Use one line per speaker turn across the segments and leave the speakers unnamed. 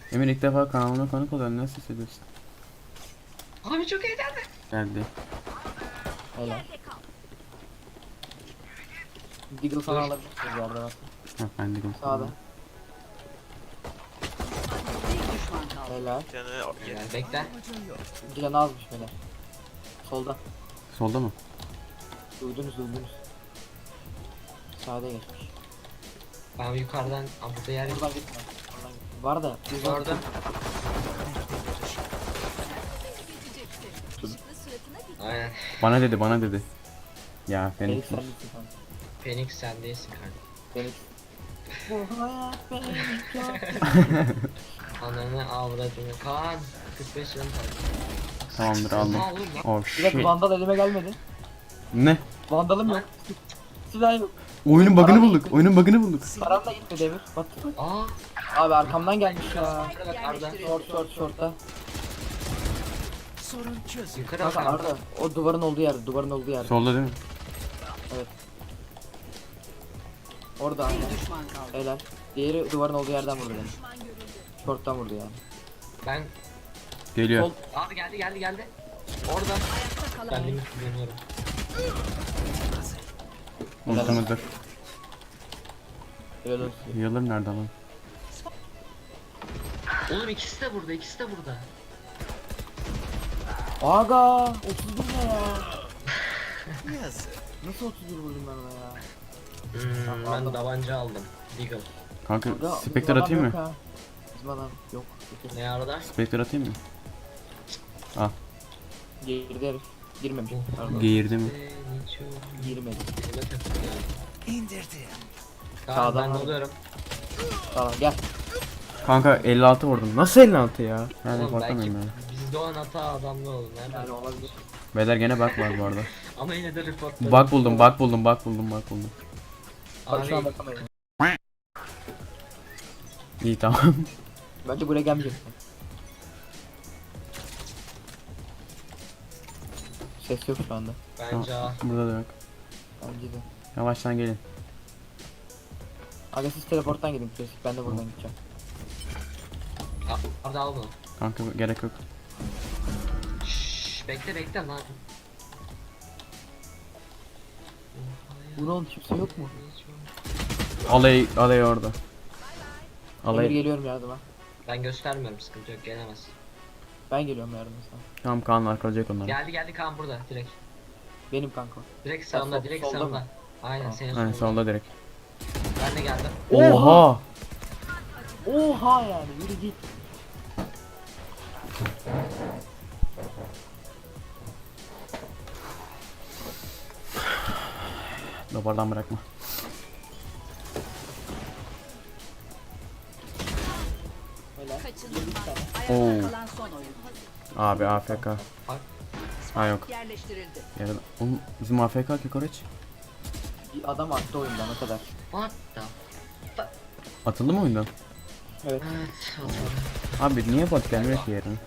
Emir ilk defa kanalıma konuk oluyor. Nasıl hissediyorsun?
Abi çok heyecanlı.
Geldi.
Helal. Deagle sana alabilirsiniz bu arada bak.
Hah ben de
Sağda. Helal.
Yani bekle.
Bir canı azmış beyler. Solda.
Solda mı?
Duydunuz. Sağda geçmiş.
Ben yukarıdan burada yer
Buradan gitme. Oradan gitme. Var da biz
gördüm. Aynen.
Bana dedi. Ya
Felix
Phoenix.
sen misin kanka?
Phoenix sen değilsin kardeşim.
Felix. Bu hayat benim çok.
Ananı avradını. Kaan. 45 yılın
Tamamdır aldım.
Oha oğlum lan.
Oh
Bir dakika
shit.
vandal elime gelmedi.
Ne?
Vandalım yok. Silah yok.
Oyunun bug'ını bulduk. Oyunun bug'ını bulduk.
Param da gitti Demir. Bak.
Aa.
Abi arkamdan gelmiş ya.
Arda bak Arda.
Short'ta.
Yukarı
Kanka
bak Arda.
Arda. O duvarın olduğu yer.
Solda değil mi?
Evet. Orada aynen. Helal. Diğeri duvarın olduğu yerden vurdu beni. Short'tan vurdu yani.
Ben.
Geliyor.
Sol.
Abi geldi. Orada. Ben limit kullanıyorum.
Ultimate.
Helal olsun.
Healer nerede lan?
Oğlum ikisi de burada.
Aga 31 ne ya? Nasıl 31 vurdum ben ona ya?
Ben tabanca aldım. Deagle.
Kanka
Aga,
Spectre
bizim adam
atayım
yok
mı?
ha. Bizim adam yok.
Ne arada?
Spectre atayım mı? Al.
Girdi herif. Girmemiş. Pardon.
Geğirdi mi?
Girmedi.
İndirdim.
Sağdan
Ben
var.
oluyorum.
Tamam gel.
Kanka 56 vurdum. Nasıl 56 ya? Yani
Oğlum belki
korkamıyorum ya.
bizde olan hata adamlı oldu. Nereden?
Yani olabilir.
Beyler gene bug var bu arada.
Ama yine de report.
Bug buldum.
Bak
Abi,
şu an bakamayız.
İyi tamam.
Bence buraya gelmeyecek. Ses yok şu anda.
bence A.
Burada da yok.
Bence de.
Yavaştan gelin.
Aga siz teleporttan gidin klasik. Ben de buradan gideceğim.
Arda al bunu.
Kanka gerek yok.
Şşş, bekle lan.
Bu ne oğlum kimse yok mu?
Alay orada.
Emir
Alay.
geliyorum yardıma.
Ben göstermiyorum, sıkıntı yok, gelemez.
Ben geliyorum yardıma sana.
Tamam Kaan arkalayacak onları.
Geldi Kaan burada direkt.
Benim kanka.
Direkt sağında,
sol-
direkt
solda
sağında.
mı?
Aynen
Tamam.
senin
Aynen
solunda.
solda direkt.
Ben de geldim.
Oha!
Oha yani yürü git.
Dabardan bırakma.
Helal.
Oo.
Ayakta kalan son oyun.
Abi AFK. Ha yok.
Yerleştirildi.
Yarın. Oğlum bizim AFK ki Koreç.
Bir adam attı oyundan o kadar.
What the?
Atıldı mı oyundan?
Evet.
Evet.
Abi niye bot gelmiyor ki yarın?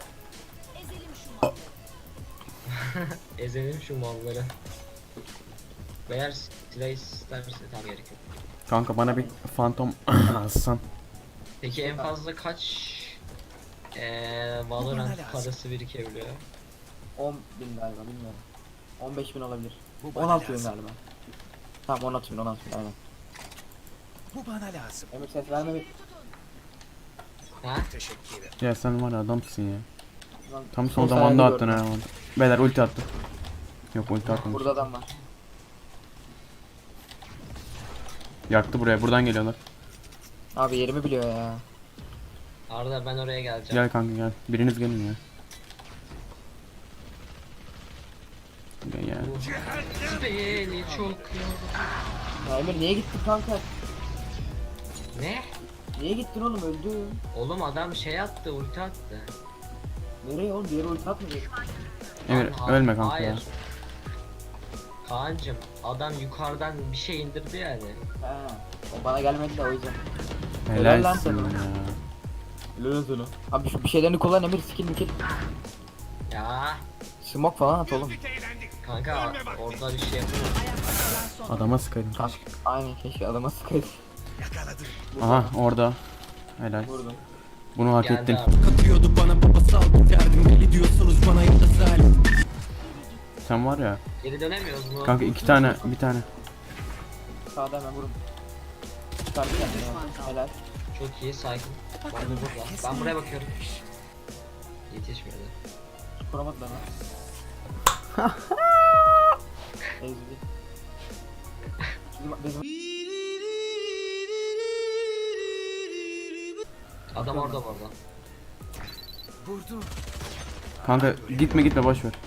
Ezelim şu malları. Eğer silah isterse tam gerek yok.
Kanka bana bir fantom alsan.
Peki en fazla kaç Valorant parası birikebiliyor?
10.000 galiba bilmiyorum. 15.000 olabilir. 16.000 galiba. Tamam 16.000 aynen.
Bu bana lazım.
Emir ses verme bir.
Ha?
Teşekkür ederim.
Ya sen var ya adamsın ya.
Lan,
Tam
sol
son zamanda
sayede
attın
gördüm.
ha. Beyler ulti attı. Yok ulti atmamış.
Burada adam var.
Yaktı buraya. Buradan geliyorlar.
Abi yerimi biliyor ya.
Arda ben oraya geleceğim.
Gel kanka gel. Biriniz gelin ya. Gel ya.
Beni çok yordu.
Ya Emir niye gittin kanka?
Ne?
Niye gittin oğlum öldün?
Oğlum adam şey attı, ulti attı.
Nereye oğlum diğeri ulti atmayacak.
Emir
Lan,
ölme kanka
hayır.
ya.
Kaan'cım adam yukarıdan bir şey indirdi yani.
He. O bana gelmedi de o yüzden. Helal lan
Helalsin
sana.
ya.
Helal sana. Abi şu bir şeylerini kullan Emir skill.
Ya
Smoke falan at oğlum.
kanka orada bir şey yapamam.
Ayakta kalan son
Adama sıkaydım.
Kanka aynen keşke adama sıkaydı.
Yakaladım.
Aha orada. Helal.
Vurdum.
Bunu hak
Geldi
ettin.
abi.
Katıyordu bana babasal biterdim. Deli diyorsunuz bana ya da zalim.
Sen var ya.
Geri dönemiyoruz mu?
Kanka iki tane, bir tane.
Sağda hemen vurun. Çıkardı kendini. Helal.
Çok iyi sakin. Ben de burada. Ben buraya bakıyorum. Yetişmedi.
Kuramadılar lan. Ezdi. Bizim
Adam orada bu arada.
Vurdu.
Kanka gitme boş ver.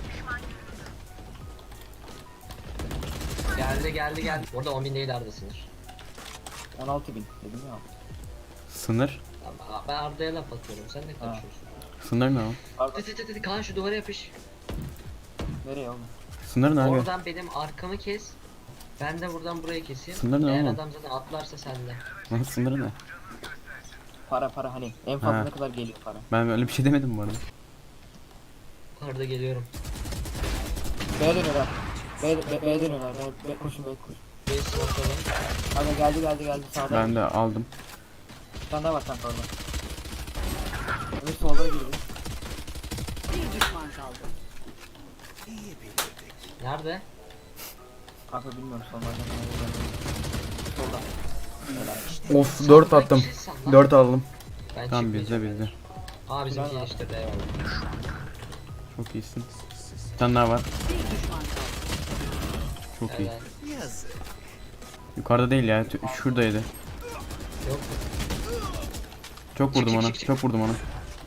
Geldi. Orada 10.000 değil Arda sınır.
16.000 dedim ya.
Sınır.
Ben Arda'ya laf atıyorum. Sen ne konuşuyorsun?
Sınır ne o?
Pardon.
Hadi Kaan şu duvara yapış.
Nereye oğlum?
Sınır ne abi?
Oradan benim arkamı kes. Ben de buradan burayı keseyim.
Sınır ne
Eğer
oğlum?
adam zaten atlarsa sende.
Nasıl sınır ne?
Para hani en fazla
Ha.
ne kadar geliyor para?
Ben öyle bir şey demedim bu arada.
Arda geliyorum.
B'ye dönüyorlar. B'ye dönüyorlar. Koşun.
Bir smoke'ladım.
Hadi geldi sağda.
Ben de aldım.
Bir tane daha var kanka orada. Öbür solda girdi.
Bir düşman kaldı.
İyi bilirdik.
Nerede?
Kanka bilmiyorum solda. Solda. Helal.
Of 4 attım. 4 aldım.
Ben
Tamam
çıkmayacağım.
bizde.
Aa bizimki geliştirdi eyvallah.
Çok iyisin. Bir tane daha var.
Bir düşman kaldı.
Çok iyi.
Evet.
Yazık.
Yukarıda değil ya. Şuradaydı.
Yok.
Çok vurdum
Çık,
ona.
çık, çık.
Çok vurdum ona.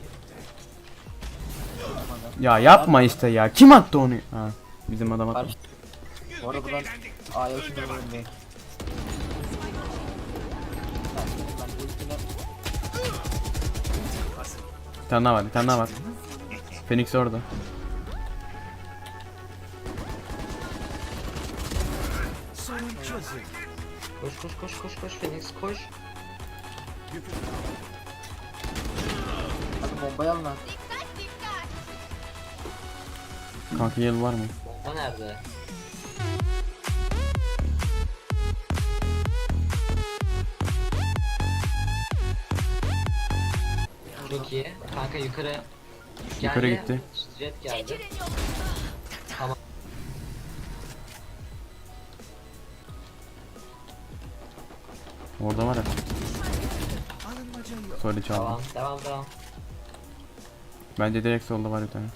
Ya yapma işte ya. Kim attı onu? Ha, bizim adam attı.
Barış. Bu arada buradan A'ya uçunca vurun diye. Ben bu üstüne
Bir tane daha var. Bir tane daha var. Phoenix orada.
Sorun çözüldü.
Koş Phoenix koş.
hadi bombayı alın lan.
Kanka yıl var mı?
Bomba nerede? Çok iyi. Kanka yukarı.
Yukarı gitti.
Jet geldi.
Orada var ya.
Alınmaca yok.
Sorry çaldım.
Devam.
Bence direkt solda var bir tane.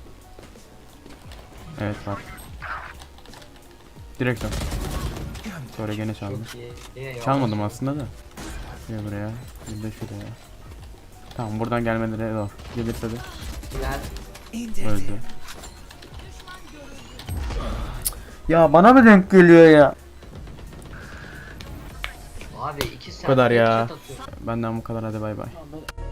Evet var. Direkt sol. Sonra gene çaldım.
Çok iyi. İyi,
Çalmadım aslında da. Gel buraya. Bir de şuraya. Tamam buradan gelmeleri zor. Gelirse de
Güzel.
İndirdi.
öldü. Ya bana mı denk geliyor ya?
Abi 2 saat
kadar ya.
chat atıyorum.
Benden bu kadar, hadi bay bay.
Tamam, ben-